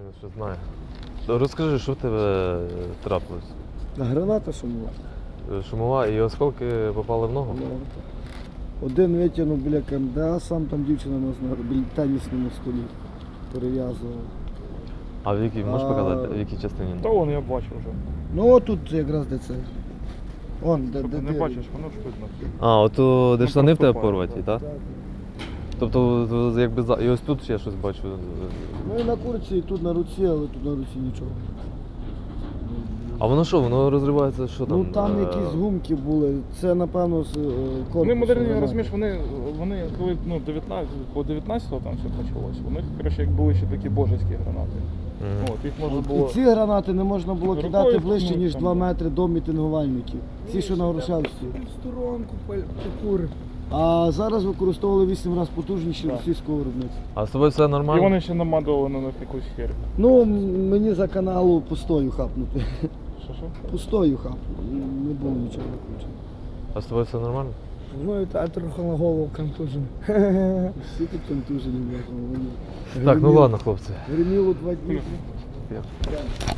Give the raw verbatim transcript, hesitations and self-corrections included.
Що знаю. Розкажи, що в тебе трапилось? Граната шумова. Шумова і осколки попали в ногу? Один витягнув біля КМДА, сам там дівчина нас на біля тенісному столі перев'язувала. А в якій, можеш А, показати, в якій частині? Та вон я бачу вже. Ну отут якраз де це. Он, де, Тобто де, не де. бачиш, воно ж видно. А, ото де Ну, штани в тебе проступає. порваті, так? Так. Тобто, то якби за... І ось тут ще щось бачу. Ну і на курці, і тут на руці, але тут на руці нічого. А воно що, воно розривається, що там? Ну там е, якісь гумки були, це напевно з е, корпусу. Вони модерні, гранати. розумієш, вони, вони коли ну, дев'ятнадцять, по дев'ятнадцятого там все почалось, у них, коротше, як були ще такі божеські гранати. Мгм. От, їх можна От, було... І ці гранати не можна було Рукою кидати ближче, ткнуть ніж там, два да. метри до мітингувальників. Ці, що на Грушевській. Сторонку покури. А зараз використовували вісім разів потужніші Так. російського виробництва. А з тобою все І нормально? вони ще намадували на них якусь хер. Ну, м- мені за каналу пустою хапнути. Що що? Пустою хапнути. Не було нічого накручено. А з тобою все нормально? Ну, а трохи на голову контужен. Всі тут контужені, бляха. вони. Так, ну Гриміло- ладно, хлопці. Гриміло два дні. Я-